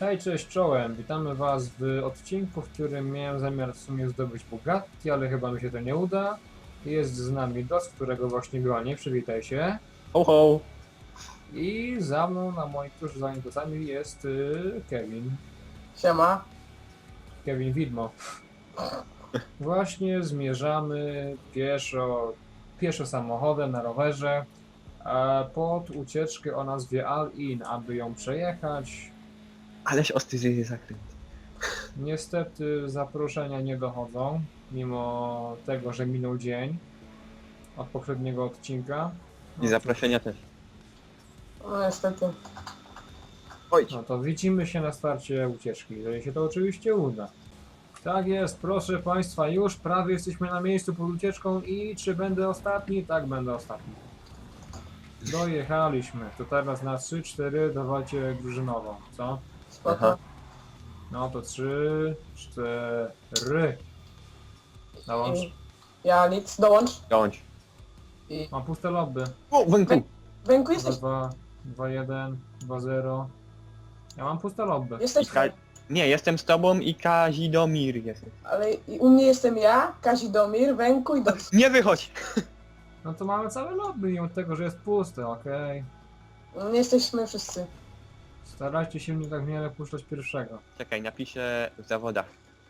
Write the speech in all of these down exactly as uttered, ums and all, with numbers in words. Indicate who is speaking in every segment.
Speaker 1: Hej, cześć, czołem. Witamy Was w odcinku, w którym miałem zamiar w sumie zdobyć Bugatti, ale chyba mi się to nie uda. Jest z nami Dos, którego właśnie bronię, przywitaj się.
Speaker 2: Ho, ho.
Speaker 1: I za mną, na moich tuż za nim plecami jest y, Kevin.
Speaker 3: Siema.
Speaker 1: Kevin Widmo. Właśnie zmierzamy pieszo, pieszo samochodem na rowerze e, pod ucieczkę o nazwie All-In, aby ją przejechać.
Speaker 2: Aleś ostry zakręt.
Speaker 1: Niestety zaproszenia nie dochodzą, mimo tego, że minął dzień od poprzedniego odcinka.
Speaker 2: I zaproszenia też.
Speaker 3: No niestety.
Speaker 2: Oj,
Speaker 1: No to widzimy się na starcie ucieczki, jeżeli się to oczywiście uda. Tak jest, proszę Państwa, już prawie jesteśmy na miejscu pod ucieczką i czy będę ostatni? Tak, będę ostatni. Dojechaliśmy, to teraz na trzy cztery dawajcie drużynową, co?
Speaker 3: Spoko.
Speaker 2: Aha.
Speaker 1: No to trzy cztery. Dołącz.
Speaker 3: I ja nic, dołącz.
Speaker 2: dołącz.
Speaker 3: I
Speaker 1: Mam puste lobby.
Speaker 2: O, węku.
Speaker 3: Węku jesteś,
Speaker 1: dwa dwa jeden dwa zero. Ja mam puste lobby.
Speaker 3: jesteś,
Speaker 2: Ka nie, jestem z tobą i Kazidomir jest.
Speaker 3: ale i u mnie jestem ja, Kazidomir, Węku i Dos.
Speaker 2: Nie wychodź!
Speaker 1: No to mamy całe lobby, mimo tego, że jest puste, okej.
Speaker 3: No, nie jesteśmy wszyscy.
Speaker 1: Starajcie się mnie tak w miarę puszczać pierwszego.
Speaker 2: Czekaj, napiszę w zawodach.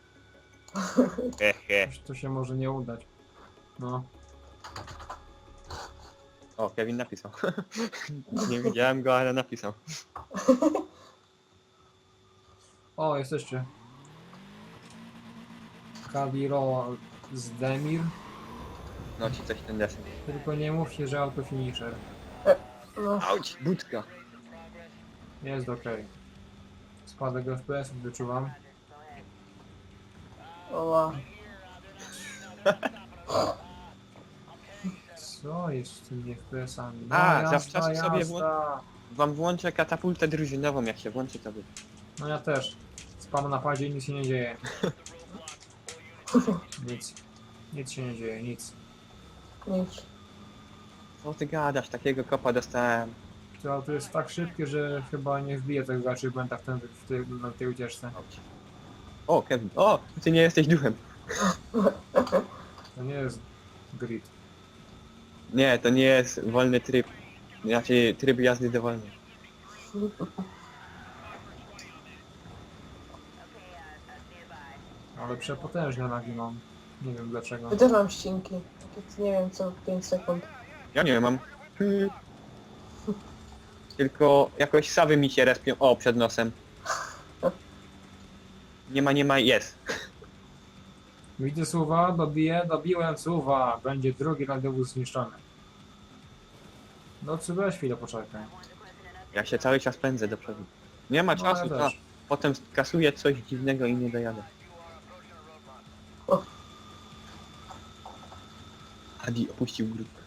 Speaker 2: Hehe.
Speaker 1: Coś to się może nie udać. No.
Speaker 2: O, Kevin napisał. Nie widziałem go, ale napisał.
Speaker 1: O, jesteście. Kadiro Zdemir.
Speaker 2: No ci coś ten desen.
Speaker 1: Tylko nie mówcie, że auto finisher.
Speaker 3: No,
Speaker 2: Auć, budka.
Speaker 1: Jest okej. Spadek F P S wyczuwam.
Speaker 3: oła.
Speaker 1: Co jest z tymi F P S-ami? No,
Speaker 2: A,
Speaker 1: jazda,
Speaker 2: zawczasu sobie
Speaker 1: jazda.
Speaker 2: Wam włączę katapultę drużynową, jak się włączy to wy.
Speaker 1: No ja też. Spam na padzie i nic się nie dzieje. Nic. Nic się nie dzieje, nic.
Speaker 3: Nic.
Speaker 2: Co ty gadasz, takiego kopa dostałem.
Speaker 1: To auto jest tak szybkie, że chyba nie wbije tego achievementa w, ten, w tej, na tej ucieczce.
Speaker 2: Auć. O, Kevin. O, ty nie jesteś duchem.
Speaker 1: To nie jest grid.
Speaker 2: Nie, to nie jest wolny tryb. Znaczy tryb jazdy dowolny.
Speaker 1: Ale przepotężne lagi mam. Nie wiem dlaczego.
Speaker 3: Ja też mam ścinki. Takie, nie wiem co, pięć sekund.
Speaker 2: Ja nie mam. Hmm. Tylko jakoś sawy mi się respią. O, przed nosem. Nie ma, nie ma, jest.
Speaker 1: Widzę suwa, dobiję, dobiłem suwa. Będzie drugi radiowóz zniszczony. No czy weź chwilę poczekaj.
Speaker 2: Ja się cały czas pędzę do przodu. Nie ma
Speaker 1: No,
Speaker 2: czasu,
Speaker 1: ja
Speaker 2: to
Speaker 1: też.
Speaker 2: potem kasuję coś dziwnego i nie dojadę.
Speaker 3: O.
Speaker 2: Adi opuścił grupę.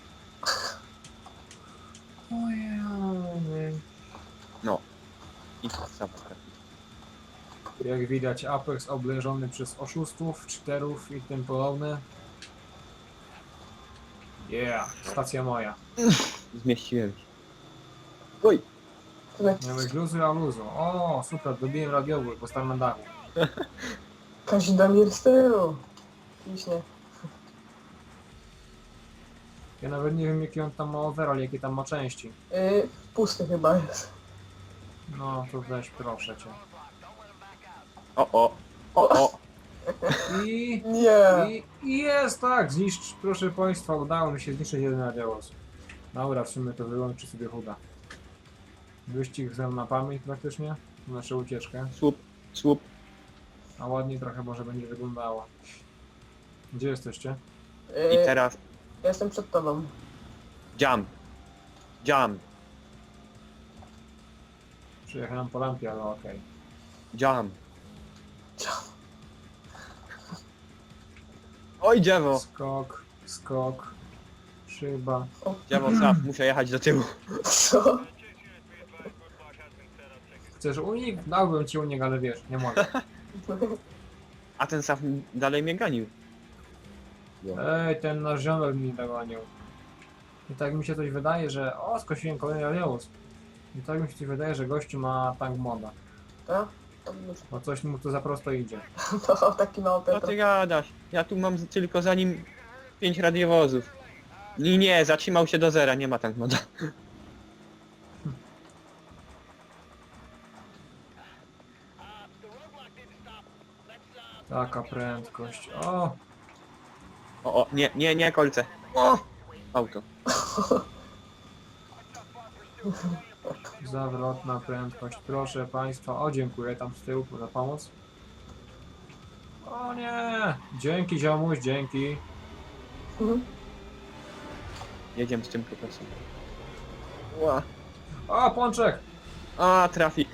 Speaker 1: Ojej.
Speaker 2: No. I sawa trafi.
Speaker 1: Jak widać Apex oblężony przez oszustów, cheaterów i tym podobne. Yeah, stacja moja.
Speaker 2: Zmieściłem się. Oj!
Speaker 3: Tyle.
Speaker 1: Miałeś luzu, a luzu. O, super, dobiłem radiowóz, bo stałem na dachu.
Speaker 3: Kazidomir z tyłu. Piśnie.
Speaker 1: Ja nawet nie wiem jaki on tam ma overall, jakie tam ma części.
Speaker 3: Yy, pusty chyba jest.
Speaker 1: No to weź proszę cię.
Speaker 2: O, o! O, o!
Speaker 1: I...
Speaker 3: Nie.
Speaker 1: I, I jest tak, zniszcz, proszę Państwa, udało mi się zniszczyć jeden radiowóz. Dobra, w sumie to wyłączy sobie chuda. Wyścig znam na pamięć praktycznie, naszą ucieczkę,
Speaker 2: Słup, słup.
Speaker 1: a ładniej trochę może będzie wyglądało. Gdzie jesteście?
Speaker 2: I
Speaker 3: Yy,
Speaker 2: teraz
Speaker 3: ja jestem przed tobą.
Speaker 2: jump. Jump.
Speaker 1: Przyjechałem po lampie, ale okej.
Speaker 2: Jump. Oj, dziewo!
Speaker 1: Skok, skok, szyba.
Speaker 2: Dziewo, zap, muszę jechać do tyłu.
Speaker 3: Co?
Speaker 1: Chcesz unik? Dałbym ci unik, ale wiesz, nie mogę.
Speaker 2: A ten saf dalej mnie ganił.
Speaker 1: Ej, ten nasz ziomek mi dogonił. I tak mi się coś wydaje, że... O, skosiłem kolejny radiowóz. I tak mi się coś wydaje, że gościu ma tank moda.
Speaker 3: Tak? To już-
Speaker 1: Bo coś mu to za prosto idzie.
Speaker 3: To taki mały
Speaker 2: Co
Speaker 3: Petro.
Speaker 2: ty gadasz? Ja tu mam z- tylko za nim pięć radiowozów. I nie, zatrzymał się do zera, nie ma tank moda.
Speaker 1: Taka prędkość. O!
Speaker 2: O, o, nie, nie, nie, kolce. O! Auto.
Speaker 1: Zawrotna prędkość. Proszę państwa. O, dziękuję tam z tyłu za pomoc. O nie! Dzięki ziomuś, dzięki.
Speaker 3: Mhm.
Speaker 2: Jedziemy z tym kokosem. Ła.
Speaker 1: O, pączek!
Speaker 2: A, trafik.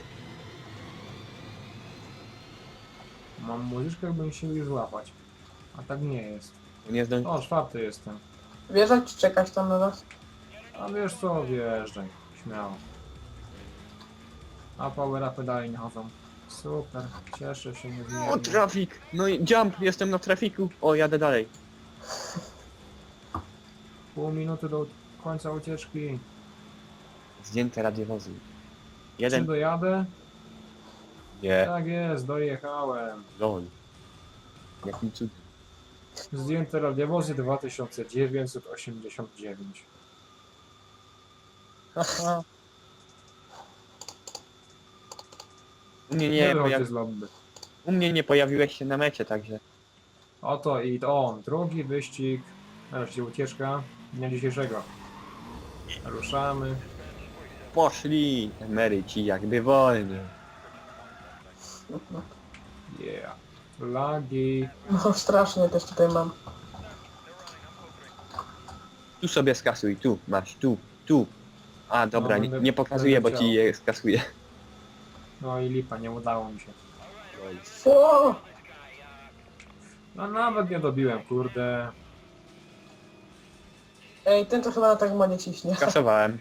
Speaker 1: Mam muzyczkę, bym się już złapać. A tak nie jest.
Speaker 2: Nie zdąży.
Speaker 1: O, czwarty jestem.
Speaker 3: Wjeżdżać czy czekać tam na nas?
Speaker 1: A wiesz co, wjeżdżaj. Śmiało. A power upy dalej nie chodzą. Super, cieszę się
Speaker 2: O,
Speaker 1: niezmiernie.
Speaker 2: trafik. No i jump, jestem na trafiku. O, jadę dalej.
Speaker 1: Pół minuty do końca ucieczki.
Speaker 2: Zdjęte radiowozy.
Speaker 1: Czy
Speaker 2: Jeden.
Speaker 1: dojadę?
Speaker 2: Nie.
Speaker 1: Tak jest, dojechałem.
Speaker 2: Lol. Jakim cudem.
Speaker 1: Zdjęte radiowozy dwa tysiące dziewięćset osiemdziesiąt dziewięć.
Speaker 2: Haha. U mnie
Speaker 1: Nie,
Speaker 2: nie,
Speaker 1: wychodźcie
Speaker 2: pojawi...
Speaker 1: z lobby.
Speaker 2: U mnie nie pojawiłeś się na mecie, także.
Speaker 1: Oto i on, drugi wyścig, nareszcie ucieczka dnia dzisiejszego. Ruszamy.
Speaker 2: Poszli emeryci jakby wolni.
Speaker 1: Yeah. Lagi.
Speaker 3: No strasznie też tutaj mam.
Speaker 2: Tu sobie skasuj, tu, masz, tu, tu. A dobra,
Speaker 1: No,
Speaker 2: nie,
Speaker 1: będę-
Speaker 2: nie pokazuję, bo
Speaker 1: będę
Speaker 2: ci
Speaker 1: chciał.
Speaker 2: je skasuję.
Speaker 1: No i lipa, nie udało mi się.
Speaker 3: O!
Speaker 1: No nawet nie dobiłem, kurde.
Speaker 3: Ej, ten to chyba na tak modzie ciśnie.
Speaker 2: Skasowałem.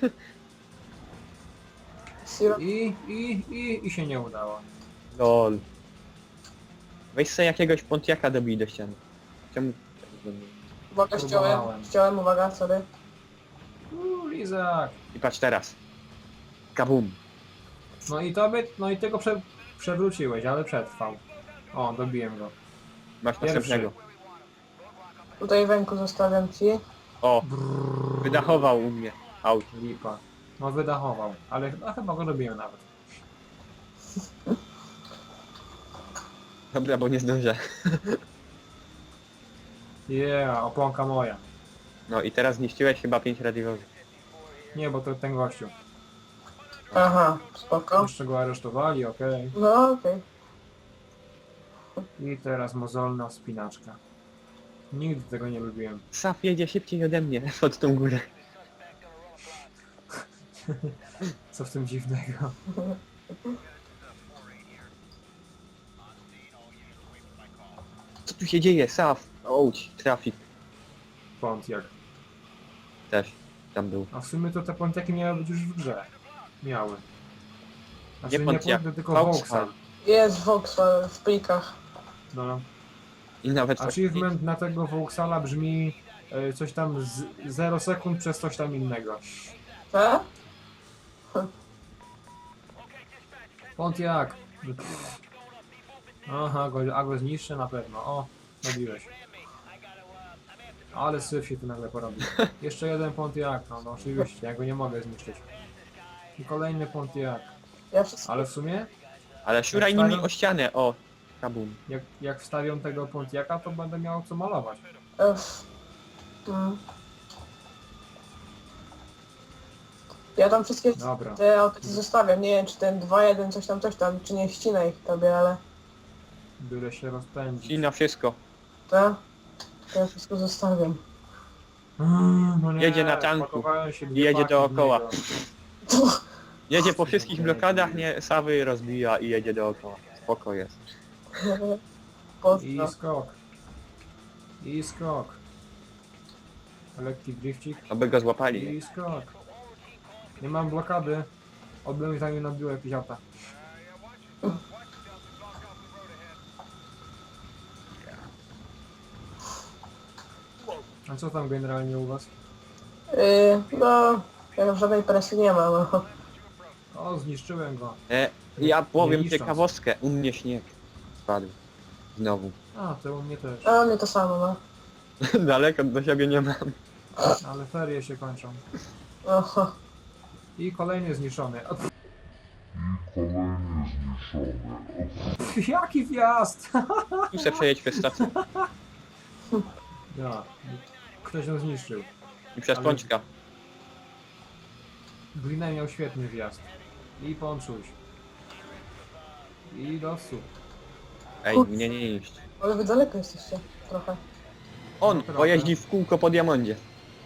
Speaker 3: Siro...
Speaker 1: I, i, i, i się nie udało.
Speaker 2: Lol. Weź sobie jakiegoś Pontiaka dobij do ściany. Czemu?
Speaker 3: Uwaga, ściąłem.
Speaker 1: Próbowałem.
Speaker 3: Ściąłem, uwaga, sorry.
Speaker 1: Uuu, Lizak.
Speaker 2: I patrz teraz. Kabum.
Speaker 1: No i to by, no i tego prze, przewróciłeś, ale przetrwał. O, dobiłem go.
Speaker 2: Masz
Speaker 1: Pierwszy.
Speaker 2: następnego.
Speaker 3: Tutaj węku zostawiam ci.
Speaker 2: O, wydachował u mnie. Aut.
Speaker 1: Lipa. No wydachował, ale no, chyba go dobiłem nawet.
Speaker 2: Dobra, bo nie zdążę.
Speaker 1: Yeah, oponka moja.
Speaker 2: No i teraz zniszczyłeś chyba pięć radiowozów.
Speaker 1: Nie, bo to ten gościu.
Speaker 3: Aha, spoko.
Speaker 1: Jeszcze go aresztowali, okej.
Speaker 3: No okej.
Speaker 1: I teraz mozolna wspinaczka. Nigdy tego nie lubiłem.
Speaker 2: Saf jedzie szybciej ode mnie pod tą górę.
Speaker 1: Co w tym dziwnego?
Speaker 2: Co tu się dzieje? Saf. Ouch, trafik
Speaker 1: Pontiac.
Speaker 2: też tam był.
Speaker 1: A w sumie to te Pontiaki miały być już w grze. Miały. Znaczy
Speaker 2: Nie
Speaker 1: nie
Speaker 2: Pontiac,
Speaker 1: Pontiac, tylko
Speaker 2: Vauxhall.
Speaker 1: Vauxhall.
Speaker 3: Jest Vauxhall w plikach.
Speaker 1: No.
Speaker 2: I nawet
Speaker 1: Achievement na tego Vauxhalla brzmi e, coś tam z zero sekund przez coś tam innego.
Speaker 3: Tak?
Speaker 1: Pontiac. Pff. Aha, go, a go zniszczę na pewno. O, robiłeś. Ale syf się tu nagle porobił. Jeszcze jeden Pontiac, no, no oczywiście, ja go nie mogę zniszczyć. I kolejny Pontiac.
Speaker 3: Ja wszystko...
Speaker 1: Ale w sumie,
Speaker 2: Ale szuraj
Speaker 1: Jak
Speaker 2: nimi
Speaker 1: stawiam-
Speaker 2: o ścianę, o. Kabum.
Speaker 1: jak, jak wstawią tego Pontiaca, to będę miał co malować.
Speaker 3: Ech. Mm. Ja tam wszystkie
Speaker 1: Dobra.
Speaker 3: te auta ci zostawiam. Nie wiem czy ten dwa jeden coś tam, coś tam, czy nie ścinaj ich tobie, ale...
Speaker 1: Byle się rozpędzić.
Speaker 2: I na wszystko.
Speaker 3: Tak? To ja wszystko zostawiam.
Speaker 1: Mm, no nie,
Speaker 2: Jedzie na tanku.
Speaker 1: spakowałem się dwie
Speaker 2: I jedzie
Speaker 1: paki
Speaker 2: dookoła.
Speaker 1: w niego.
Speaker 2: Jedzie po wszystkich blokadach, nie, Sawy rozbija i jedzie dookoła. Spoko jest.
Speaker 3: Pozdro.
Speaker 1: I skok. I skok. Lekki drifcik.
Speaker 2: Aby go złapali.
Speaker 1: I skok. Nie mam blokady. Oby mi tam nie nabiło jakieś auta. A co tam generalnie u was?
Speaker 3: Yy, no, ja żadnej presji nie ma, no.
Speaker 1: O, zniszczyłem go.
Speaker 2: E, Ja
Speaker 1: Nie
Speaker 2: powiem
Speaker 1: niszcząc.
Speaker 2: ciekawostkę, u mnie śnieg spadł. Znowu.
Speaker 1: A, to u mnie też.
Speaker 3: A mnie to samo, no.
Speaker 2: Daleko do siebie nie mam.
Speaker 1: Ale ferie się kończą.
Speaker 3: Oho.
Speaker 1: I kolejny zniszczony. O,
Speaker 4: Kolejny zniszczony.
Speaker 1: jaki wjazd!
Speaker 2: Tu se przejedź przez stację.
Speaker 1: Ja, ktoś ją zniszczył.
Speaker 2: I przez
Speaker 1: Ale-
Speaker 2: pączka.
Speaker 1: Glina miał świetny wjazd. I ponczuś. I dosu.
Speaker 2: Ej, mnie nie niszcz.
Speaker 3: Ale wy daleko jesteście. Trochę.
Speaker 2: On
Speaker 1: No trochę.
Speaker 2: pojeździ w kółko po diamondzie.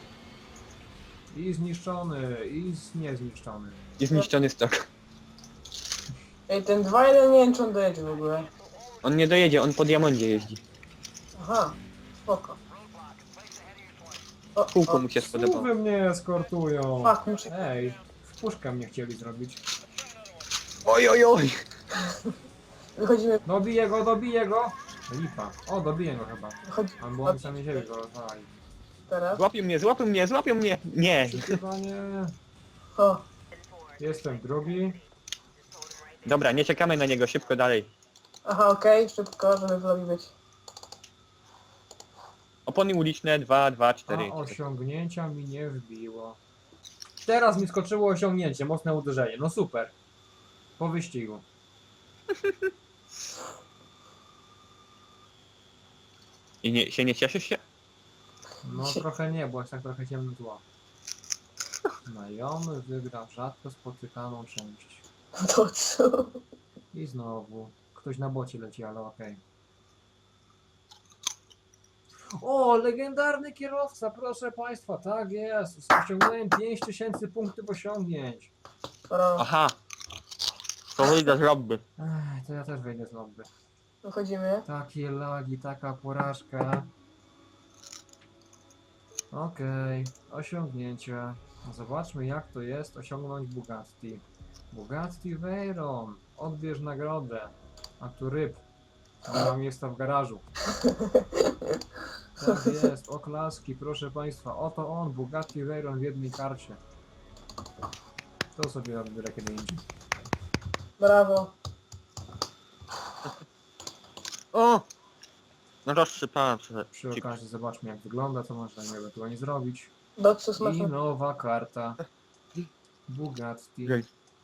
Speaker 1: I zniszczony, i z- niezniszczony.
Speaker 2: I zniszczony stok.
Speaker 3: Ej, ten dwa jeden nie wiem czy on dojedzie w ogóle.
Speaker 2: On nie dojedzie, on po diamondzie jeździ.
Speaker 3: Aha. Spoko. O,
Speaker 2: Kółko
Speaker 3: o.
Speaker 2: mu się spodobało.
Speaker 1: Wy mnie eskortują.
Speaker 3: Fuck, muszę...
Speaker 1: Ej, w puszkę mnie chcieli zrobić.
Speaker 2: Oj, oj, oj!
Speaker 3: Wychodzimy...
Speaker 1: Dobiję go, dobiję go! Lipa. O, dobiję go chyba.
Speaker 3: Wychodzi...
Speaker 1: Albo oni sami siebie go rozwalali.
Speaker 3: Teraz.
Speaker 2: Złapią mnie, złapią mnie, złapią mnie! Nie!
Speaker 1: Przytywanie.
Speaker 3: O.
Speaker 1: Jestem drugi.
Speaker 2: Dobra, nie czekamy na niego, szybko dalej.
Speaker 3: Aha, okej, szybko, żeby w lobby być.
Speaker 2: Opony uliczne, dwa, dwa,
Speaker 1: A
Speaker 2: cztery.
Speaker 1: osiągnięcia mi nie wbiło. Teraz mi skoczyło osiągnięcie, mocne uderzenie. No super. Po wyścigu.
Speaker 2: I nie, się nie cieszysz się?
Speaker 1: No trochę nie, bo jest tak trochę ciemno tło. Znajomy wygrał rzadko spotykaną część.
Speaker 3: To co?
Speaker 1: I znowu. Ktoś na bocie leci, ale okej. O, legendarny kierowca, proszę państwa, tak jest. Osiągnąłem pięć tysięcy punktów osiągnięć.
Speaker 3: Dobra,
Speaker 2: Aha! To wyjdę z lobby.
Speaker 1: Ech, to ja też wejdę z lobby.
Speaker 3: wychodzimy.
Speaker 1: Takie lagi, taka porażka. Okej, osiągnięcia. Zobaczmy jak to jest osiągnąć Bugatti. Bugatti Veyron. Odbierz nagrodę. A tu ryb. Nie mam miejsca w garażu. Tak jest, oklaski, proszę państwa. Oto on, Bugatti Veyron w jednej karcie. To sobie odbiorę kiedy indziej.
Speaker 3: Brawo.
Speaker 2: O! No rozsypałem trochę.
Speaker 1: Przy okazji zobaczmy jak wygląda, co można ewentualnie zrobić.
Speaker 3: Dotsu
Speaker 1: I
Speaker 3: smaczne.
Speaker 1: nowa karta. Bugatti.
Speaker 2: Jej.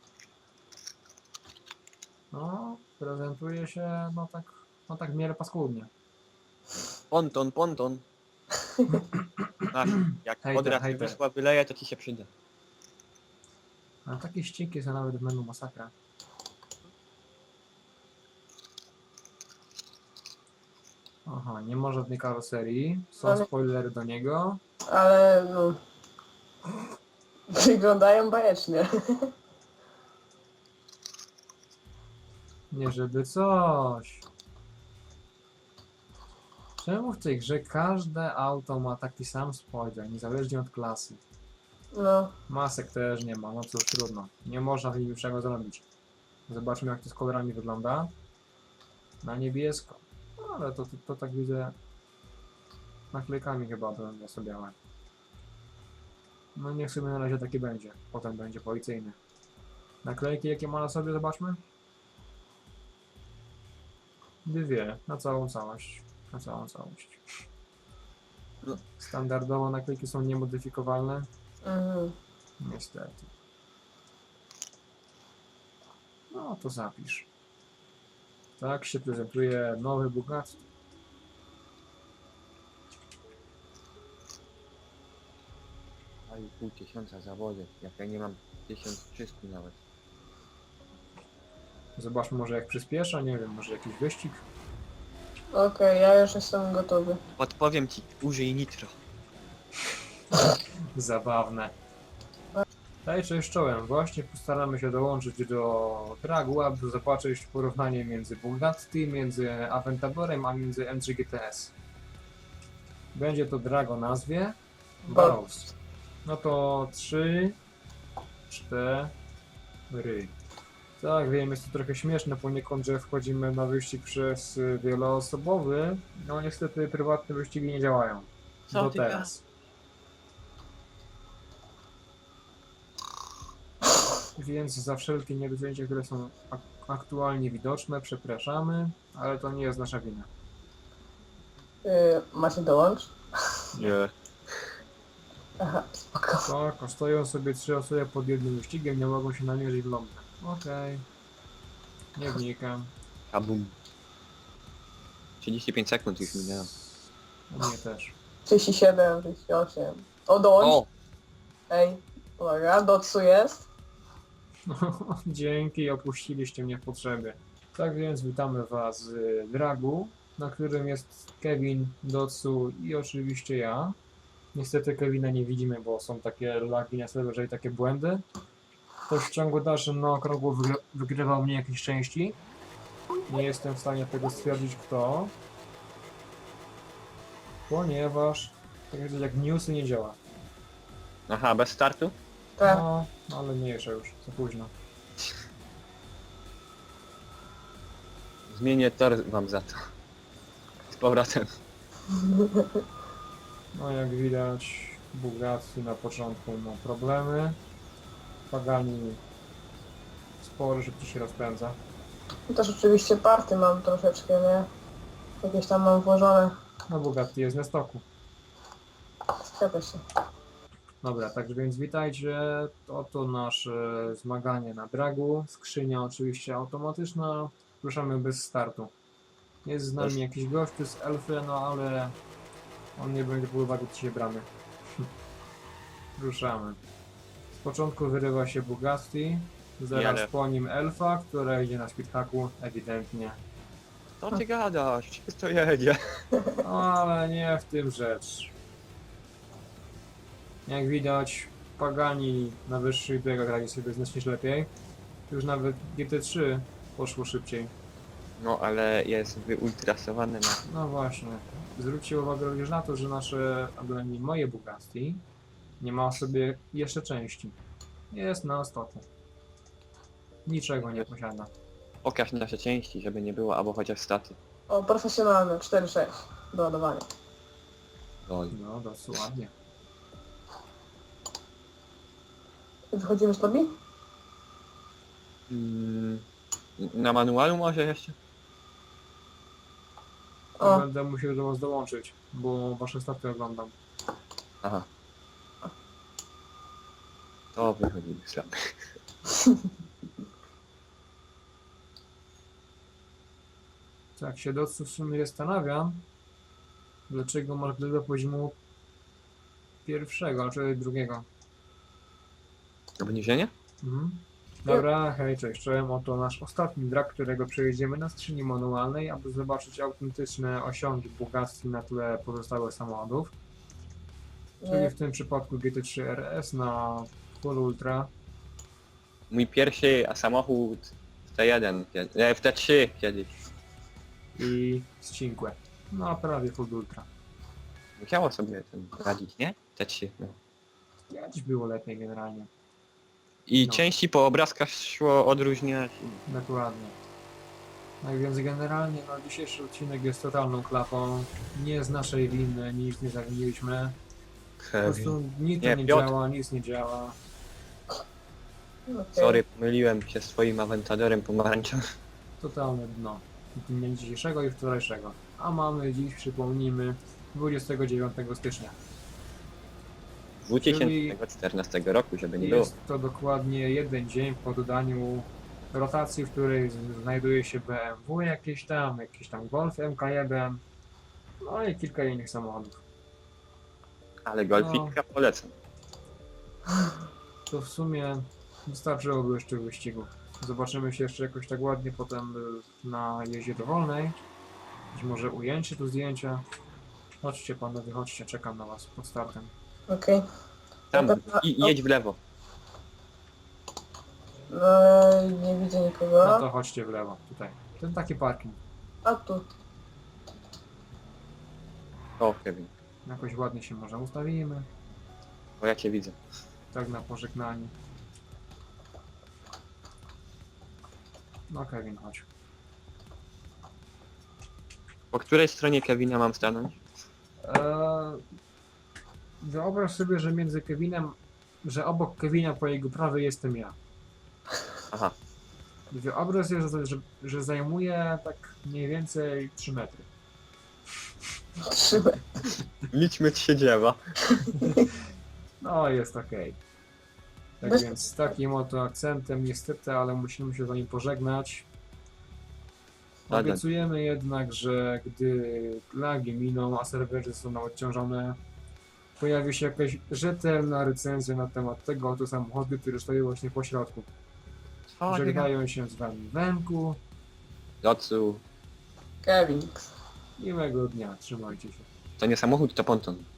Speaker 1: No, prezentuje się, no tak, no tak w miarę paskudnie.
Speaker 2: Ponton, ponton. Ach, jak
Speaker 1: Hejter,
Speaker 2: od razu
Speaker 1: hejter.
Speaker 2: wyszła wyleje, to ci się przyda.
Speaker 1: A takie ścieki są nawet w menu masakra. Aha, nie ma żadnej karoserii. Są
Speaker 3: Ale-
Speaker 1: spoilery do niego.
Speaker 3: Ale no... Wyglądają bajecznie.
Speaker 1: Nie żeby coś. Czemu w tej grze każde auto ma taki sam spoiler, niezależnie od klasy?
Speaker 3: No.
Speaker 1: Masek też nie ma, no cóż, trudno. Nie można z nimi niczego zrobić. Zobaczmy jak to z kolorami wygląda. Na niebiesko. No, ale to, to, to tak widzę... Naklejkami chyba to sobie białe. No niech sobie na razie taki będzie. Potem będzie policyjny. Naklejki jakie ma na sobie, zobaczmy. Dwie, na całą całość. Na całą całość.
Speaker 2: No.
Speaker 1: Standardowo naklejki są niemodyfikowalne.
Speaker 3: Mhm.
Speaker 1: Niestety. No to zapisz. Tak się prezentuje nowy Bugatti.
Speaker 2: A i pół tysiąca zawodów, jak ja nie mam tysiąc trzysta nawet.
Speaker 1: Zobaczmy może jak przyspiesza, nie wiem, może jakiś wyścig.
Speaker 3: Okej, ja już jestem gotowy.
Speaker 2: Podpowiem ci, użyj nitro.
Speaker 1: Zabawne. Hej, cześć czołem. Właśnie postaramy się dołączyć do Dragua, by zobaczyć porównanie między Bugatti, między Aventadorem, a między M trzy G T S. Będzie to drag o nazwie Barrows. No to trzy, cztery. Tak, wiem, jest to trochę śmieszne poniekąd, że wchodzimy na wyścig przez y, wieloosobowy. No niestety prywatne wyścigi nie działają.
Speaker 2: Co
Speaker 1: Do
Speaker 2: ty
Speaker 1: teraz. Więc za wszelkie niedociągnięcia, które są ak aktualnie widoczne, przepraszamy, ale to nie jest nasza wina.
Speaker 3: Yy, macie dołącz?
Speaker 2: Nie.
Speaker 3: Aha, spoko.
Speaker 1: Tak, stoją sobie trzy osoby pod jednym wyścigiem, nie mogą się namierzyć w lądzie. Okej. Nie wnikam.
Speaker 2: Kabum. trzydzieści pięć sekund już minęło.
Speaker 1: U mnie też.
Speaker 3: trzydzieści siedem, trzydzieści osiem. O, dołącz.
Speaker 2: O!
Speaker 3: Ej, uwaga, Dotsu jest.
Speaker 1: Dzięki, opuściliście mnie w potrzebie. Tak więc witamy Was z Dragu, na którym jest Kevin, Dotsu i oczywiście ja. Niestety Kevina nie widzimy, bo są takie lagi na serwerze i takie błędy. Ktoś w ciągu dalszym na okrągło wygry wygrywał mnie jakieś części. Nie jestem w stanie tego stwierdzić kto. Ponieważ tak jak- jak newsy nie działa.
Speaker 2: Aha, bez startu?
Speaker 3: Tak.
Speaker 1: No, ale mniejsza już, za późno.
Speaker 2: Zmienię tor wam za to. Z powrotem.
Speaker 1: No jak widać, Bugatti na początku ma problemy. Pagani sporo szybciej się rozpędza.
Speaker 3: I też oczywiście party mam troszeczkę, nie? Jakieś tam mam włożone.
Speaker 1: No Bugatti jest na stoku.
Speaker 3: Zgadza się.
Speaker 1: Dobra, tak więc witajcie. Oto nasze zmaganie na dragu. Skrzynia oczywiście automatyczna. Ruszamy bez startu. Jest z nami jakiś gościu z elfy, no ale on nie będzie brał uwagi dzisiaj bramy. Ruszamy. Z początku wyrywa się Bugatti. Zaraz
Speaker 2: Jadę.
Speaker 1: po nim elfa, która idzie na speedhacku, ewidentnie.
Speaker 2: Co ty gadasz? Przecież to jedzie.
Speaker 1: No, ale nie w tym rzecz. Jak widać, Pagani na wyższych biegach radzi sobie znacznie lepiej. Już nawet G T trzy poszło szybciej.
Speaker 2: No ale jest wyultrasowany na...
Speaker 1: No właśnie. Zwróćcie uwagę również na to, że nasze, a bynajmniej moje Bugatti nie ma sobie jeszcze części. Jest na stoku. Niczego nie posiada.
Speaker 2: Pokaż nasze części, żeby nie było, albo chociaż staty.
Speaker 3: O, profesjonalne, cztery sześć do ładowania.
Speaker 2: Oj.
Speaker 1: No, dosyć ładnie.
Speaker 3: Wychodzimy z lobby?
Speaker 2: Mm, na manualu może jeszcze?
Speaker 3: O.
Speaker 1: Będę musiał do was dołączyć, bo wasze staty oglądam.
Speaker 2: Aha. To wychodzimy słaby.
Speaker 1: Tak się Dotsu w sumie zastanawiam, dlaczego masz gry do poziomu pierwszego, czy drugiego.
Speaker 2: Obniżenie?
Speaker 1: Mhm. Dobra, hej, cześć, czołem. Oto nasz ostatni drag, którego przejedziemy na skrzyni manualnej, aby zobaczyć autentyczne osiągi Bugatti na tle pozostałych samochodów. Czyli
Speaker 3: Nie.
Speaker 1: w tym przypadku G T trzy R S na Full Ultra.
Speaker 2: Mój pierwszy samochód w T jeden, kiedy- nie, w T trzy kiedyś.
Speaker 1: I z Cinque. No, prawie Full Ultra.
Speaker 2: Musiało sobie ten radzić, nie? T trzy, no.
Speaker 1: Kiedyś było lepiej generalnie.
Speaker 2: I
Speaker 1: No.
Speaker 2: części po obrazkach szło odróżniać.
Speaker 1: Dokładnie. Tak więc generalnie no, dzisiejszy odcinek jest totalną klapą. Nie z naszej winy, nic nie zawiniliśmy. Po prostu nic
Speaker 2: Nie,
Speaker 1: nie, nie
Speaker 2: Piotr.
Speaker 1: działa, nic nie działa.
Speaker 3: Okej.
Speaker 2: Sorry, pomyliłem się swoim Aventadorem pomarańczowym.
Speaker 1: Totalne dno. Dnia dzisiejszego i wczorajszego. A mamy dziś, przypomnijmy, dwudziestego dziewiątego stycznia.
Speaker 2: dwa tysiące czternastego roku, żeby nie było.
Speaker 1: Jest to dokładnie jeden dzień po dodaniu rotacji, w której z- znajduje się B M W jakieś tam, jakiś tam Golf M K jeden, no i kilka innych samochodów.
Speaker 2: Ale golfika polecam.
Speaker 1: To w sumie wystarczyłoby jeszcze wyścigu. Zobaczymy się jeszcze jakoś tak ładnie potem y, na jeździe dowolnej. Być może ujęcie tu zdjęcia. Chodźcie panowie, chodźcie, czekam na was pod startem.
Speaker 3: Okej.
Speaker 2: Tam,
Speaker 3: Na pewno-
Speaker 2: i, jedź w lewo.
Speaker 3: No, nie widzę
Speaker 1: No
Speaker 3: nikogo.
Speaker 1: to chodźcie w lewo, tutaj. Ten taki parking.
Speaker 3: A tu.
Speaker 2: O, Kevin.
Speaker 1: Jakoś ładnie się może ustawimy.
Speaker 2: O, ja cię widzę.
Speaker 1: Tak na pożegnanie. No Kevin, chodź.
Speaker 2: Po której stronie Kevina mam stanąć?
Speaker 1: Eee, wyobraź sobie, że między Kevinem, że obok Kevina po jego prawej jestem ja.
Speaker 2: Aha.
Speaker 1: Wyobraź sobie, że, że, że zajmuje tak mniej więcej trzy metry.
Speaker 3: Trzymaj.
Speaker 2: Liczmy ci się dziewa.
Speaker 1: No, jest okej. Tak
Speaker 3: Bez-
Speaker 1: więc z takim oto akcentem niestety, ale musimy się z wami pożegnać.
Speaker 2: Tak,
Speaker 1: Obiecujemy jednak, że gdy plagi miną, a serwery zostaną odciążone, pojawi się jakaś rzetelna recenzja na temat tego oto samochodu, który stoi właśnie po środku. Żegnają się z wami Wenku.
Speaker 2: Docu.
Speaker 3: Kevin.
Speaker 1: Miłego dnia, trzymajcie się.
Speaker 2: To nie samochód, to ponton.